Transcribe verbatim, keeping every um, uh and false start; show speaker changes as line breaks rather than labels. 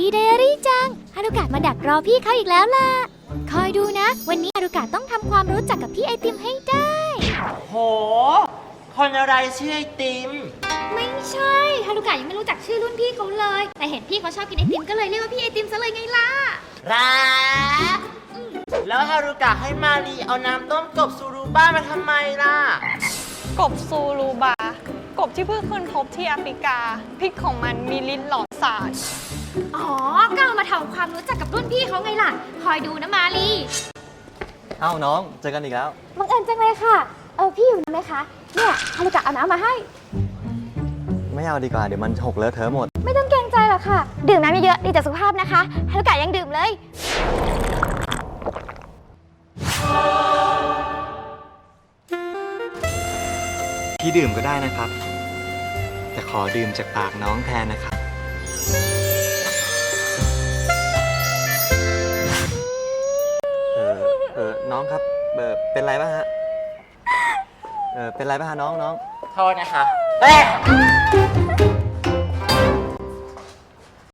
ดีไดอารี่จังฮารุกะมาดักรอพี่เขาอีกแล้วล่ะคอยดูนะวันนี้ฮารุกะต้องทำความรู้จักกับพี่ไอติมให้ได้
โหคนอะไรชื่อไอติม
ไม่ใช่ฮารุกะยังไม่รู้จักชื่อรุ่นพี่เขาเลยแต่เห็นพี่เขาชอบกินไอติมก็เลยเรียกว่าพี่ไอติมซะเลยไงล่ะ
รักแล้วฮารุกะให้มารีเอาน้ำต้มกบซูรุบ้ามาทำไมล่ะ
กบซูรูบากบที่เพิ่งค้นพบที่แอฟริกาพิษของมันมีลิ้นหลอดสาร
อ๋อก็เอามาทำความรู้จักกับรุ่นพี่เขาไงล่ะคอยดูนะมาลี
เอ้าน้องเจอกันอีกแล้ว
บังเอิญจังเลยค่ะเออพี่อยู่ไหมคะเนี่ยฮารุกะเอาน้ำมาให้
ไม่เอาดีกว่าเดี๋ยวมันหกเลอะเทอะหมด
ไม่ต้องเกรงใจหรอกค่ะดื่มน้ำเยอะๆดีต่อสุขภาพนะคะฮารุกะยังดื่มเลย
พี่ดื่มก็ได้นะครับแต่ขอดื่มจากปากน้องแทนนะครับเออเออน้องครับเออเป็นไรป่ะฮะเออเป็นไรป่ะฮะน้องน้อง
โทษนะคะเอ๊ะ